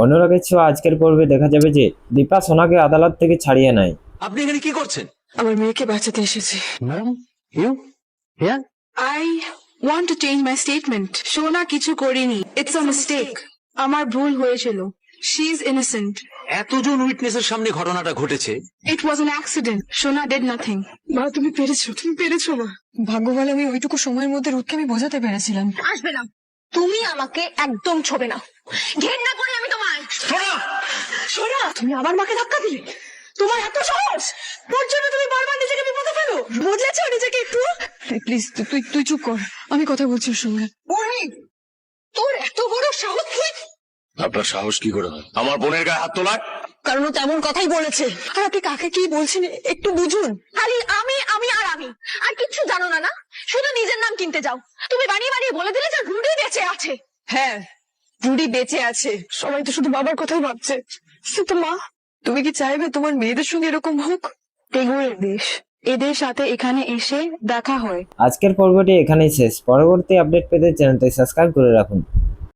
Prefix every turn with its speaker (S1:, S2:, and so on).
S1: অনুরাগের ছোঁয়া আজকের পর্বে দেখা যাবে যে দীপা সোনাকে আদালত থেকে ছাড়িয়ে নেয়।
S2: আপনি এখানে কি করছেন?
S3: আমার মেয়েকে বাঁচাতে এসেছি।
S2: Madam, you here?
S3: I want to change my statement. সোনা কিছু করিনি। It's a mistake. আমার ভুল হয়েছিল। She is innocent.
S2: এতজন উইটনেসের সামনে ঘটনাটা ঘটেছে।
S3: It was an accident. সোনা did nothing. মা তুমি পেরেছো মা। ভাগ্য বলে আমি ওইটুকু সময়ের মধ্যে রুদকে আমি বোঝাতে পেরেছিলাম।
S4: আসবে না, তুমি আমাকে একদম ছোবে না, ঘেন্না করি আমি তোমায়।
S3: সোনা তুমি আবার মাকে ধাক্কা দিলে, তোমার এত সাহস, তোর জন্য তুমি বারবার নিজেকে বিপদে ফেলো। বদলেছো নিজেকে একটু? প্লিজ তুই চুপ কর, আমি কথা বলছি ওর সঙ্গে।
S4: তোর এত বড় সাহস তুই!
S2: আপনার সাহস কি করে হয় আমার বোনের গায়ে হাত তোলার?
S4: কারণ ও তেমন কথাই বলেছে।
S3: আর আপনি কাকে কি বলছেন একটু বুঝুন।
S4: খালি আমি আমি আর আমি, আর কিচ্ছু জানো না। না শুধু নিজের নাম কিনতে যাও। তুমি বানিয়ে বানিয়ে বলে দিলে যে রুডি বেঁচে আছে।
S3: হ্যাঁ, রুডি বেঁচে আছে। সবাই তো শুধু বাবার কথাই ভাবছে। কিন্তু মা, তুমি কি চাইবে তোমার মেয়েদের সঙ্গে এরকম হোক? এগুলোর দেশ, এদের সাথে এখানে এসে দেখা হয়।
S1: আজকের পর্বটি এখানেই শেষ। পরবর্তী আপডেট পেতে চ্যানেলটি সাবস্ক্রাইব করে রাখুন।